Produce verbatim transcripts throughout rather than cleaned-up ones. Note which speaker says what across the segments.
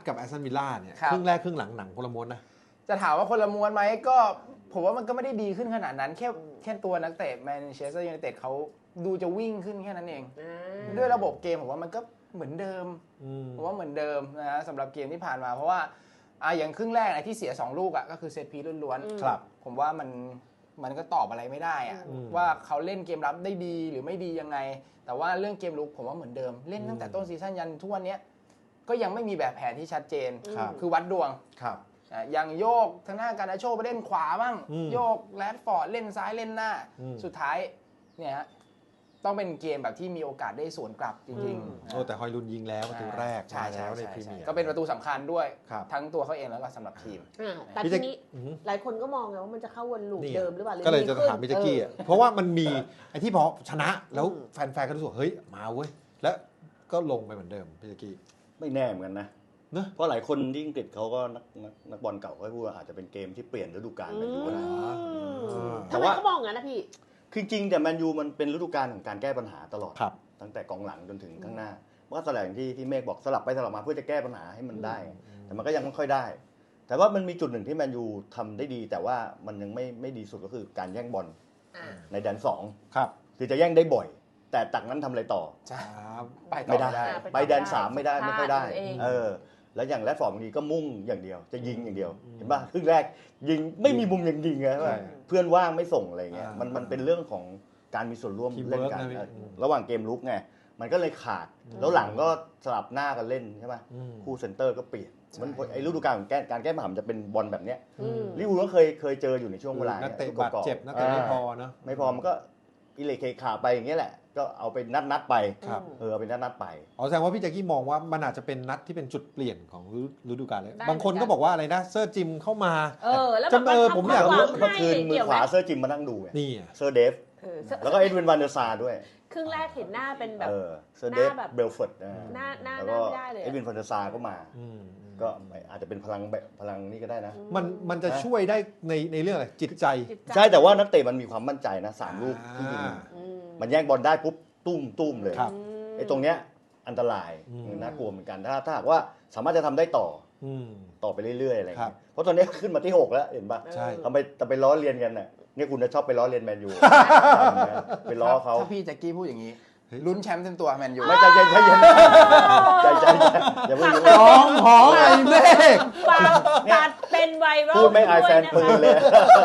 Speaker 1: กับแอสตันวิลล่าเนี่ยครึ่งแรกครึ่งหลังหนังคนละม้วนนะ
Speaker 2: จะถามว่าคนละม้วนไหมก็ผมว่ามันก็ไม่ได้ดีขึ้นขนาดนั้นแค่แค่ตัวนักเตะแมนเชสเตอร์ยูไนเต็ดเขาดูจะวิ่งขึ้นแค่นั้นเองด้วยระบบเกมผมว่ามันก็เหมือนเดิมผมว่าเหมือนเดิมนะฮะสำหรับเกมที่ผ่านมาเพราะว่าอ่ะอย่างครึ่งแรกนะที่เสียสองลูกอ่ะก็คือเซตพีซล้วนๆครับผมว่ามันมันก็ตอบอะไรไม่ได้อ่ะว่าเขาเล่นเกมรับได้ดีหรือไม่ดียังไงแต่ว่าเรื่องเกมลุกผมว่าเหมือนเดิมเล่นตั้งแต่ต้นซีซั่นยันทุกวันนี้ก็ยังไม่มีแบบแผนที่ชัดเจนคือวัดดวง
Speaker 1: ครับ
Speaker 2: อย่างโยกทางหน้าการนาโชไปเล่นขวาบ้างโยกแรดฟอร์ดเล่นซ้ายเล่นหน้าสุดท้ายเนี่ยฮะต้องเป็นเกมแบบที่มีโอกาสได้สวนกลับจริง
Speaker 1: ๆโอ้แต่ฮอยลุนยิงแล้วประตูแรกมาแล้วในพรีเมียร์
Speaker 2: ก็เป็นประตูสำคัญด้วยทั้งตัวเขาเองแล้วก็สำหรับทีม
Speaker 3: แต่ทีนี้หลายคนก็มองไงว่ามันจะเข้าวนลูปเดิมหรือเปล่า
Speaker 1: ก็เลยจะถามมิจกี้เพราะว่ามันมีไอ้ที่พอชนะแล้วแฟนๆก็รู้สึกเฮ้ยมาเว้ยแล้วก็ลงไปเหมือนเดิมมิจกี้
Speaker 4: ไม่แน่เหมือนกันนะเพราะหลายคนที่อังกฤษเขาก็นักนักบอลเก่าเขาพูดว่าอาจจะเป็นเกมที่เปลี่ยนฤดูกาลไปอยู่ก็ได้
Speaker 3: ทำไมเขามองงั้นนะพี่
Speaker 4: คือจริงแต่แมนยูมันเป็นฤดูกาลของการแก้ปัญหาตลอดตั้งแต่กองหลังจนถึงข้างหน้ามันก็แสดงที่ที่เมฆบอกสลับไปสลับมาเพื่อจะแก้ปัญหาให้มันได้แต่มันก็ยังไม่ค่อยได้แต่ว่ามันมีจุดหนึ่งที่แมนยูทำได้ดีแต่ว่ามันยังไม่ไม่ดีสุดก็คือการแย่งบอลในแดนสองคือจะแย่งได้บ่อยแต่จากนั้นทำอะไรต่อไม่ได้ไปแดนสามไม่ได้ไม่ค่อยได้เออแล้วอย่างแรดฟอร์ดบางทีก็มุ่งอย่างเดียวจะยิงอย่างเดียวเห็นป่ะครึ่งแรกยิงไม่มีมุมยังยิงไงเพื่อนว่างไม่ส่งอะไรเงี้ยมันมันเป็นเรื่องของการมีส่วนร่วมเล่นกันระหว่างเกมลุกไงมันก็เลยขาดแล้วหลังก็สลับหน้ากันเล่นใช่ป่ะคู่เซนเตอร์ก็เปลี่ยนมันไอ้ฤดูกาลของการแก้ปัญหาจะเป็นบอลแบบเนี้ยลิเวอร์พูลก็เคยเคยเจออยู่ในช่วงเวลา
Speaker 1: นักเตะบาดเจ็บนักเตะไม่พอเนาะ
Speaker 4: ไม่พอมันก็อิเล็กเคขาไปอย่างเงี้ยแหละก็เอาไปนัดนัดไปเออเอาไปนัดนัดไป
Speaker 1: อ๋อแสดงว่าพี่แจ็คกี้มองว่ามันอาจจะเป็นนัดที่เป็นจุดเปลี่ยนของฤดูกาลเลยบางคนก็บอกว่าอะไรนะเซอร์จิมเข้ามา
Speaker 3: เออแล้ว
Speaker 1: จำเออผมอยากรู้
Speaker 4: เมื่อคืนมือขวาเซอร์จิมมานั่งดู
Speaker 1: นี่
Speaker 4: เซอร์เดฟแล้วก็เอ็ดวินวันเดอร์ซาด้วย
Speaker 3: ครึ่งแรกเห็นหน้าเป็นแบบ
Speaker 4: เซอร์เดฟเบลฟอร์ด
Speaker 3: หน้าหน้าไม่ได้เลย
Speaker 4: เอ็ดวินวันเดอร์ซาก็มาก็อาจจะเป็นพลังพลังนี่ก็ได้นะ
Speaker 1: มันมันจะช่วยได้ในในเรื่องอะไรจิตใจ
Speaker 4: ใช่แต่ว่านักเตะมันมีความมั่นใจนะสามลูกที่ยิงมันแย่งบอลได้ปุ๊บตุ้มตุ้มเลยไอ้ตรงเนี้ยอันตรายน่ากลัวเหมือนกันถ้าถ้าหากว่าสามารถจะทำได้ต่อต่อไปเรื่อยๆอะไรอย่างเงี้ยเพราะตอนนี้ขึ้นมาที่หกแล้วเห็นป่ะทำไปทำไปล้อเลียนกันน่ะเนี่ยคุณจะชอบไปล้อเลียนแมนยูไปล้อเขา
Speaker 2: ถ้าพี่แจ็คกี้พูดอย่างนี้ลุ้นแชมป์เต็มตัวแมนยู
Speaker 4: ไม่ใจเย็นใจเย็นใจใจอย่าเพิ่ง
Speaker 1: ร้องหอมไอ้เมฆ
Speaker 3: ตัดเป็นไวรัล
Speaker 4: พูดไม่อายแฟนปืนเลย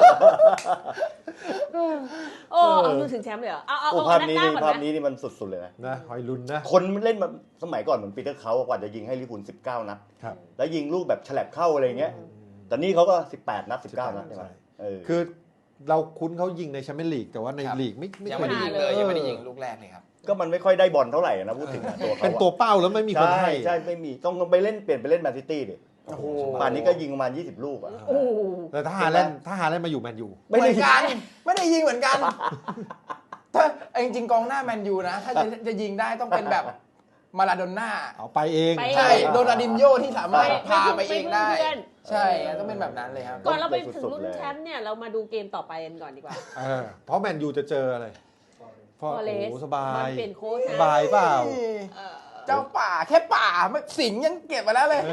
Speaker 3: โอ้เอาถึงแชมป์เลยเหรอเอาเอา
Speaker 4: ภาพนี้นี่ภาพนี้นี่มันสุดๆเลยนะ
Speaker 1: นะหอยลุนนะ
Speaker 4: คนเล่นมาสมัยก่อนเหมือนปีเตอร์เขากว่าจะยิงให้ลิเวอร์พูลสิบเก้านัดแล้วยิงลูกแบบฉลับเข้าอะไรเงี้ยแต่นี่เขาก็สิบแปดนัดสิบเก้านัดใช่ไหม
Speaker 1: คือเราคุ้นเขายิงในแชมเปี้ยนลีกแต่ว่าในลีกไม่
Speaker 2: ยังไม่ได้ยิงเลยยังไม่ได้ยิงลูกแรกเลยครับ
Speaker 4: ก็มันไม่ค่อยได้บอลเท่าไหร่นะพูดถึงตัวเขา
Speaker 1: เป็นตัวเป้าแล้วไม่มีคนให้
Speaker 4: ใช่ไม่มีต้องไปเล่นเปลี่ยนไปเล่นแมนซิตี้ดิโอ้โหป่านนี้ก็ยิงประมาณยี่สิบลูกอ่ะ
Speaker 1: แต่ถ้าฮาแลนด์ถ้าฮาแลนด์มาอยู่แมนยู
Speaker 2: ไม่ได้กันไม่ได้ยิงเหมือนกันถ้าจริงๆกองหน้าแมนยูนะถ้าจะจะยิงได้ต้องเป็นแบบมาลาโดน่า
Speaker 1: เอาไปเอง
Speaker 2: ใช่โดนาดินโญที่สามารถพาไปเองได้ใช่ต้องเป็นแบบนั้นเลยครับ
Speaker 3: ก่อนเราไปถึงรุ่นแชมป์เนี่ยเรามาดูเกมต่อไปกันก่อนดีกว่า
Speaker 1: เออเพราะแมนยูจะเจออะไร
Speaker 3: ฟอเรสต์
Speaker 1: สบาย
Speaker 3: เปลี่ยนโค้ช
Speaker 1: สบายเปล่า
Speaker 2: เจ้าป่าแค่ป่าสิงยังเก็บมาแล้วเลย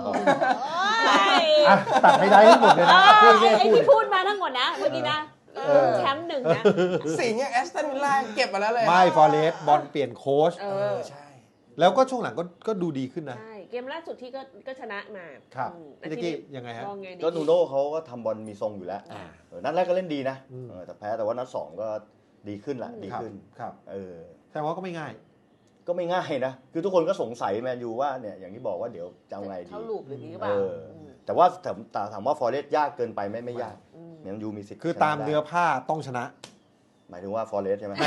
Speaker 1: ตัดไม่ได้ทั้งหมดเลยนะ
Speaker 3: ไอ้ที่พูดมาทั้งหมดนะเมื่อกี้นะแชมป์หนึ่งนะ
Speaker 2: สิงยังแอสตันวิลล่าเก็บมาแล้วเลย
Speaker 1: ไม่ฟอเรสต์บอลเปลี่ยนโค้ช
Speaker 2: ใช่
Speaker 1: แล้วก็ช่วงหลังก็ก็ดูดีขึ้นนะ
Speaker 3: ใช่เกมล่าสุดที่ก็ก็ชนะมา
Speaker 1: ครับพี่กี้ยังไงฮะ
Speaker 4: ก็นูโน่เขาก็ทำบอลมีทรงอยู่แล้วนัดแรกก็เล่นดีนะแต่แพ้แต่ว่านัดสองก็ดีขึ้นละดีขึ้น
Speaker 1: ครับ
Speaker 4: เออ
Speaker 1: แต่ว่าก็ไม่ง่าย
Speaker 4: ก็ไม่ง่ายนะคือทุกคนก็สงสัยแมนยูว่าเนี่ยอย่างที่บอกว่าเดี๋ยวจะเอาไงดี
Speaker 3: เขาลูปหรือหรือเปล่า
Speaker 4: แต่ว่าถามว่าฟอเรสต์ยากเกินไปไม่ไม่ยากแมนยูมีสิทธิ์
Speaker 1: คือตามเนื้อผ้าต้องชนะ
Speaker 4: หมายถึงว่าฟอเรสต์ใช่ไหม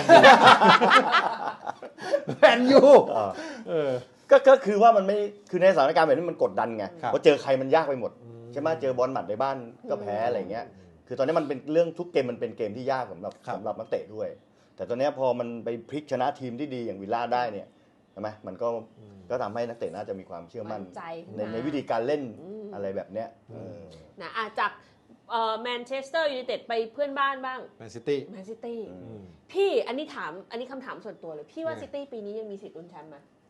Speaker 1: แมนยู
Speaker 4: เออก็ก็คือว่ามันไม่คือในสถานการณ์แบบนี้มันกดดันไงเพราะเจอใครมันยากไปหมดใช่ไหมเจอบอลหมัดในบ้านก็แพ้อะไรเงี้ยคือตอนนี้มันเป็นเรื่องทุกเกมมันเป็นเกมที่ยากสำหรับสำหรับนักเตะด้วยแต่ตอนนี้พอมันไปพลิกชนะทีมที่ดีอย่างวิลล่าได้เนี่ยใช่ไหมมันก็ก็ทำให้นักเตะน่าจะมีความเชื่อมั่นในในวิธีการเล่นอะไรแบบเนี้ย
Speaker 3: นะจากแมนเชสเตอร์ยูไนเต็ดไปเพื่อนบ้านบ้าง
Speaker 1: แมนซิตี้
Speaker 3: แมนซิตี้พี่อันนี้ถามอันนี้คำถามส่วนตัวเลยพี่ว่าซิตี้ปีนี้ยังมีสิทธิ์ลุ้นแชมป์ไหม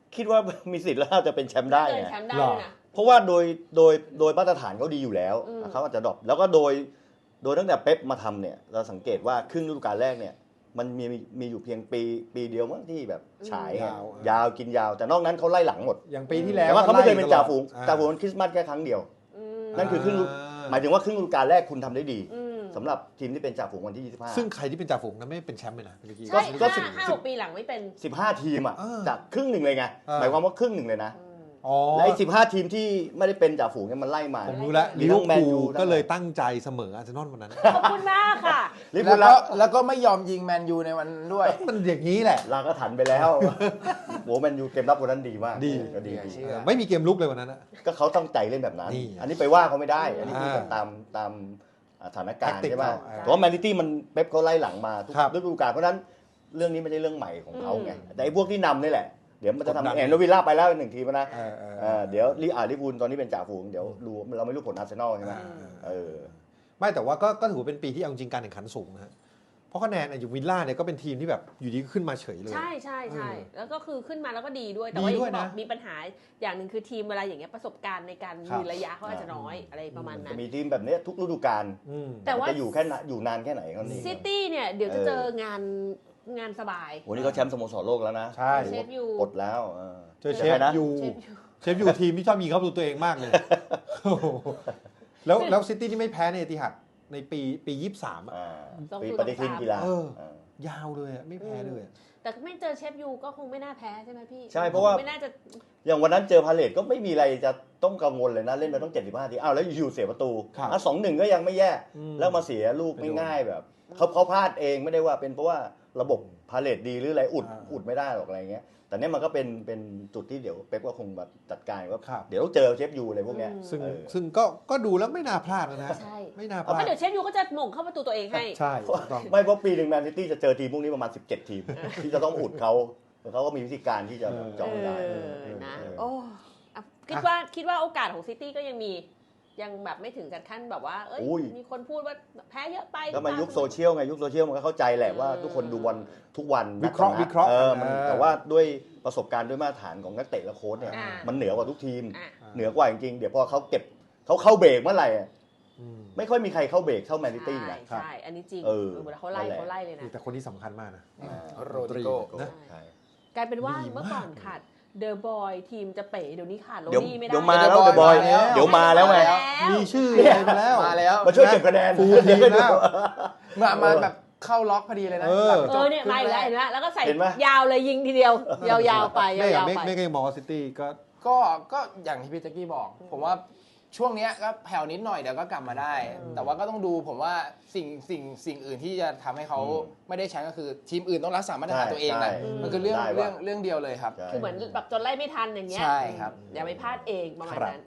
Speaker 4: คิดว่ามีสิทธิ์แล้วจะเป็นแชมป์ได้
Speaker 3: เกิน
Speaker 4: ไง
Speaker 3: แชมป์ได้ด้วยนะ
Speaker 4: เพราะว่าโดยโดยโดยมาตรฐานเขาดีอยู่แล้ว
Speaker 3: อืม
Speaker 4: เขาอาจจะดรอปแล้วก็โดยโดยตั้งแต่เป๊ปมาทำเนี่ยเราสังเกตว่าครึ่งฤดูกาลแรกเนี่ยมันมีมีอยู่เพียงปีปีเดียวมั้งที่แบบฉายไง
Speaker 1: ยาว
Speaker 4: ยาวกินยาวแต่นอกนั้นเขาไล่หลังหมด
Speaker 1: อย่างปีที่แล้ว
Speaker 4: แต่ว่าเขาไม่เคยเป็นจ่าฝูง
Speaker 1: อ่
Speaker 4: จ่าฝูงมันคริสต์มาสแค่ครั้งเดียว
Speaker 3: อืม
Speaker 4: นั่นคือครึ่งฤดู หมายถึงว่าครึ่งฤดูกาลแรกคุณทำได้ดี
Speaker 3: อืม
Speaker 4: สำหรับทีมที่เป็นจ่าฝูงวันที่ยี่สิบห้า
Speaker 1: ซึ่งใครที่เป็นจ่าฝูงนั้นไม่เป็นแชมป์เลยนะเมื่อกี้
Speaker 3: ใช่
Speaker 4: ก็
Speaker 3: ห้า
Speaker 4: สิบ
Speaker 3: ห้าหกปีหลังไม่เป็น
Speaker 4: สิบห้าทีมอ่ะ
Speaker 1: เออ
Speaker 4: จากครึ่งหนึ่งเลยไง
Speaker 1: เออ
Speaker 4: หมายความว่าครึ่งหนึ่งเลยนะ
Speaker 3: อืม
Speaker 1: อ๋อ
Speaker 4: และไอ้สิบห้าทีมที่ไม่ได้เป็นจ่าฝูงเนี่ยมันไล่มา
Speaker 1: ผมรู้แล้ว
Speaker 4: มี
Speaker 1: ลิ
Speaker 4: ทั้
Speaker 1: เวอง ร์
Speaker 4: แมน
Speaker 1: พู
Speaker 4: ยู
Speaker 1: ล
Speaker 4: ทั้ง
Speaker 1: ก็เลยตั้งใจเสมออาร์เซนอลวันนั้น
Speaker 3: ขอบคุณมากค่ะ
Speaker 4: ลิเวอ
Speaker 2: แล้
Speaker 4: ร์
Speaker 2: ว
Speaker 4: พูล
Speaker 2: ก็
Speaker 4: แล้ว
Speaker 2: แล้วก็ไม่ยอมยิงแมนยูในวันนั้นด้วย
Speaker 1: มันอย่างนี้แหละ
Speaker 4: ลาก็ถันไปแล้วโหแมนยูเกมรับวันนั้นดีมาก
Speaker 1: ดี
Speaker 4: ก็ดี
Speaker 2: เชื่
Speaker 4: ดี
Speaker 2: อ
Speaker 1: เออไม่มีเกมลุกเลยวันนั้นอะ
Speaker 4: ก็เขาตั้งใจเล่นแบบนั้น
Speaker 1: นี่
Speaker 4: อันนี้ไปว่าเขาไม่ได้ อันนี้
Speaker 1: อ่า
Speaker 4: พูดกันตามตามสถานการณ์
Speaker 1: Tactic
Speaker 4: ใช่ไหม
Speaker 1: เขาอ่า
Speaker 4: แต่ว่าแมนซิตี้มันเป๊ปเขาไล่หลังมาทุก
Speaker 1: ครับ
Speaker 4: ฤดูกาลเพราะฉะนั้นเรื่องนี้ไม่ใช่เรื่องใหม่ของเขาไง
Speaker 3: อืม
Speaker 4: แต่ไอ้พวกที่นำนี่แหละ เดี๋ยวมันจะ
Speaker 1: กดดัน
Speaker 4: ทำแอนโนวิลล่าไปแล้วหนึ่งทีมนะ
Speaker 1: เออเออ
Speaker 4: เออเดี๋ยวลีอาร์ลิบูลตอนนี้เป็นจ่าฝูงเดี๋ยวดูเราไม่รู้ผลอาร์เซนอลใช่ไหม
Speaker 1: เออ
Speaker 4: เออ
Speaker 1: ไม่แต่ว่าก็ก็ถือว่าเป็นปีที่เอาจริงการแข่งขันสูงนะฮะเพราะคะแนนอย่างวิลล่าเนี่ยก็เป็นทีมที่แบบอยู่ดีก็ขึ้นมาเฉยเลย
Speaker 3: ใช่ใช่ใช่
Speaker 1: เออ
Speaker 3: แล้วก็คือขึ้นมาแล้วก็ดีด้วย แต่
Speaker 1: ดี
Speaker 3: ว่าอย่าง
Speaker 1: ด้วย
Speaker 3: ที่บ
Speaker 1: นะ
Speaker 3: อกมีปัญหาอย่างหนึ่งคือทีมเวลาอย่างเงี้ยประสบการณ์ในการ
Speaker 1: ครับ
Speaker 3: ยืนระยะเขาอาจจะน้อยอะไรประมาณนั้
Speaker 4: จะ
Speaker 3: น
Speaker 4: มีทีมแบบเนี้ยทุกฤดูกาล
Speaker 1: อืม
Speaker 3: แต่ว่า
Speaker 4: จะอยู่แค่ไหนอยู่นานแค่ไหนเขานี่
Speaker 3: ซิตี้เนี่ยเดี๋ยวจะ
Speaker 4: เออ
Speaker 3: เจองานงานสบาย
Speaker 4: โหนี่เขาแชมป์สโมสรโลกแล้วนะ
Speaker 1: ใช่
Speaker 3: เชฟยู
Speaker 4: ปลดแล้วเออ
Speaker 1: เจอเช
Speaker 4: ใค
Speaker 1: ฟ
Speaker 4: รนะ
Speaker 1: ยู
Speaker 3: เชฟยู
Speaker 1: เชฟยูทีมที่ชอบยิงเข้าประตูตัวเองมากเลยโอ้โหแล้วแล้วซิตี้ที่ไม่แพ้ในเอติฮัดในปีปียี่สิบสามอะ
Speaker 4: อ่า
Speaker 3: ต้อง
Speaker 4: ปี
Speaker 3: คุย
Speaker 4: ป
Speaker 3: กับ
Speaker 4: ฏิทิน
Speaker 3: สาม
Speaker 4: กีฬา
Speaker 1: เออ
Speaker 4: เออ
Speaker 1: ยาวเลยอะไม่แพ้เลยอะ
Speaker 3: แต่ไม่เจอเชฟยูก็คงไม่น่าแพ้ใช่ไหมพี่
Speaker 4: ใช่เพราะว่า
Speaker 3: ไม่น่าจะ
Speaker 4: อย่างวันนั้นเจอพาเลตก็ไม่มีอะไรจะต้องกังวลเลยนะ เล่นไปต้องเจ็ดสิบห้าทีอ้าวแล้วอยู่ๆเสียประตู
Speaker 1: ครับ
Speaker 4: อ่ะสองหนึ่งก็ยังไม่แย่
Speaker 1: อืม
Speaker 4: แล้วมาเสียลูก
Speaker 1: ไปโดน
Speaker 4: ง่ายๆแบบเขาเขาพลาดเองไม่ได้ว่าเป็นเพราะว่าระบบพาเลตดีหรืออะไรอุด
Speaker 1: อ่า
Speaker 4: อุดไม่ได้หรอกอะไรเงี้ยแต่เนี้ยมันก็เป็นเป็นจุดที่เดี๋ยวเป๊ปก็คงแบบจัดการว่า
Speaker 1: ครับ
Speaker 4: เดี๋ยวต้องเจอเชฟยูอะไรพวกเนี้ย
Speaker 1: ซึ่ง
Speaker 4: เออ
Speaker 1: ซึ่งก็ก็ดูแล้วไม่น่าพลาดนะฮะ
Speaker 3: ใช่
Speaker 1: ไม่น่าพ
Speaker 3: เพราะ
Speaker 1: ลาด
Speaker 3: เดี๋ยวเชฟยูก็จะหม่งเข้าประตูตัวเองให้
Speaker 1: ใช่ถูกต้อง
Speaker 4: ไม่เพราะปีหนึ่งแมนซิตี้จะเจอทีมพวกนี้ประมาณสิบเจ็ดทีม ที่จะต้องอุดเขาเขาก็มีวิธีการที่จะ
Speaker 1: เออ
Speaker 4: จองได้
Speaker 3: เออนะ
Speaker 4: เออ
Speaker 3: โอ้อ่ะคิดว่าคิดว่าโอกาสของซิตี้ก็ยังมียังแบบไม่ถึงกับขั้นแบบว่า เอ้ย
Speaker 4: อุ้ย
Speaker 3: มีคนพูดว่าแพ้เยอะไป
Speaker 4: ก็มายุคโซเชียลไงยุคโซเชียลมันก็เข้าใจแหละว่าทุกคนดูบอลทุกวัน
Speaker 1: วิเคราะห์
Speaker 4: นัด
Speaker 1: วิเคราะห์
Speaker 4: เออมัน
Speaker 1: เออ
Speaker 4: แต่ว่าด้วยประสบการณ์ด้วยมาตรฐานของนักเตะและโค้ชเนี่ย
Speaker 3: อ่า
Speaker 4: มันเหนือกว่าทุกทีม
Speaker 3: อ่ะ
Speaker 4: เหนือกว่าจริงๆเดี๋ยวพอเขาเก็บเขาเข้าเบรกเมื่อไหร่อะ
Speaker 1: อืม
Speaker 4: ไม่ค่อยมีใครเข้าเบรกเท่าแมนซิตี้
Speaker 3: ใช่
Speaker 4: นะ
Speaker 3: ใช่อันนี้จริง
Speaker 4: เออ
Speaker 3: เวลาเขาไล่
Speaker 4: นั่นแหละ
Speaker 3: เขาไล่เลยนะ
Speaker 1: แต่คนที่สำคัญมากนะ
Speaker 4: อ่า
Speaker 2: โรดริโก้
Speaker 1: นะ
Speaker 4: ใช่
Speaker 3: กลายเป็นว่า
Speaker 1: ดีมาก
Speaker 3: เมื่อก่อนขาดเดอะบอยทีมจะเป๋เดี๋ยวนี้ขาดโร
Speaker 4: เดี๋ยว
Speaker 3: นี่ไม่ได้
Speaker 4: เดี๋ยวมาแล้ว
Speaker 2: เดี๋
Speaker 4: เด
Speaker 2: ยว
Speaker 4: อะบอย
Speaker 2: มาแล้ว
Speaker 4: เดี๋ยวมาแล้วไง
Speaker 1: มีชื่ออะไรไปแล้ว
Speaker 2: มาแล้ว
Speaker 4: มาช่วยเก็บคะแนน
Speaker 1: ฟูลทีมแล้ว
Speaker 2: มามาแบบเข้าล็อกพอดีเลยนะ
Speaker 1: เออ
Speaker 2: หลัง
Speaker 3: เอ
Speaker 2: จบ
Speaker 3: อเนี่ยมาอีกแล้วเห็นไหมแล้วก็ใส่
Speaker 4: เห็นไหม
Speaker 3: ยาวเลยยิงทีเดียว ยาวๆไป
Speaker 1: ไม่
Speaker 3: ยาว
Speaker 1: ไม่
Speaker 3: ๆไป
Speaker 1: ไม่ก็ยังมองว่าซิตี้ก็
Speaker 2: ก็ก็อย่างที่พี่แจ็กกี้บอก ผมว่าช่วงเนี้ยก็แผ่วนิดหน่อยเดี๋ยวก็กลับมาได้ แต่ว่าก็ต้องดูผมว่าสิ่งสิ่งสิ่งอื่นที่จะทำให้เขา
Speaker 4: อืม
Speaker 2: ไม่ได้แชมป์ก็คือทีมอื่นต้องรักษามาตรฐานตัวเองนะ
Speaker 4: ใช่
Speaker 2: มันคือเรื่อง
Speaker 4: ได้ว่ะ
Speaker 2: เรื่องเรื่องเดียวเลยครับ
Speaker 4: ใช่
Speaker 3: คือเหมือนแบบจนไล่ไม่ทันอย่างเงี้ย
Speaker 2: ใช่ครับ
Speaker 3: อย่าไปพลาดเองประมาณ
Speaker 1: ครับ
Speaker 3: นั้น